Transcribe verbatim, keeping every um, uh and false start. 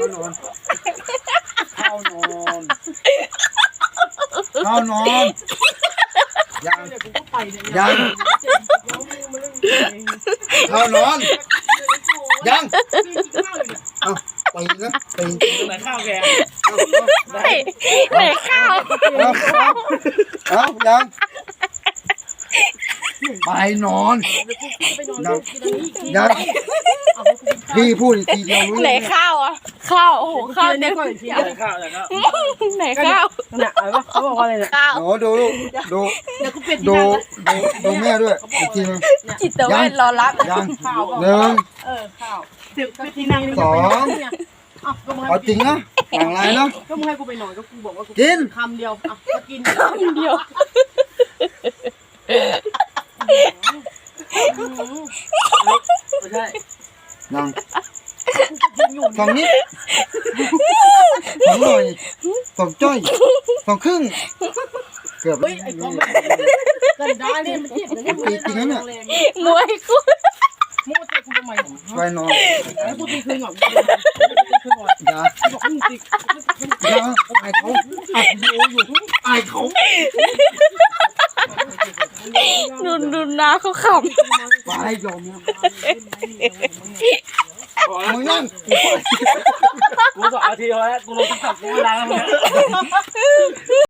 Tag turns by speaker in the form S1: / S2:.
S1: านอนเข้านอนเข้านอนยังยังเข้านอนยังเอาไปนะไปไหนข้าวแก
S2: ไหนไหนข้าว
S1: เอาเอายังไปนอนยังยังพี่พูดอีกทีเดียวรู้
S2: ไหนข้าวอ่ะข้าวโอ้โหข้าวเนี่ย
S3: ไหนข้าวไหนข้าว
S2: ไหนข้าว
S4: น่ะอะไรวะเขาบอกว่าอะไรเนี่ย
S2: ข้าว
S1: โอ้ดูดูดูดูดูแม่ด้วยอีกทีนึง
S2: จิตเวชรอรับ
S1: ยังหนึ่ง
S4: เออข้าวเดี๋ยวไปที่นั่ง
S1: สอง
S4: อ่ะก็มึง
S1: เอาจริงนะหลังไรนะ
S4: ก็มึงให้กูไปหน่อยก็กูบอกว่ากู
S1: กิน
S4: คำเดียวอ่ะก็กิน
S2: คำเดียว
S4: ไม่ใช่
S1: ยัง
S4: กินอยู่
S1: สองนิดสองหน่อยสองจ้อยสองครึ่งเกือบ
S4: เฮ้ยไอ้กองกันได้เนี่ยมันเจ็บนะเนี่ยมันจริงนะเนี่ย
S2: มวยกู
S4: มึงมาเตะกูทำไม
S1: ไปนอน
S4: ให้กูตีคืนก่อนกูตีคืนก่อน
S1: อย่า
S4: บอกมึงตี
S1: อย่าไอ้เขาอัดวิดีโออยู่ไอ้เขา
S2: ดูดูหน้าเขาข
S1: ไปยอมนะมึงนั่ง
S3: กูสองนาทีแล้วกูลงตั้งแต่กูเวลาแล้ว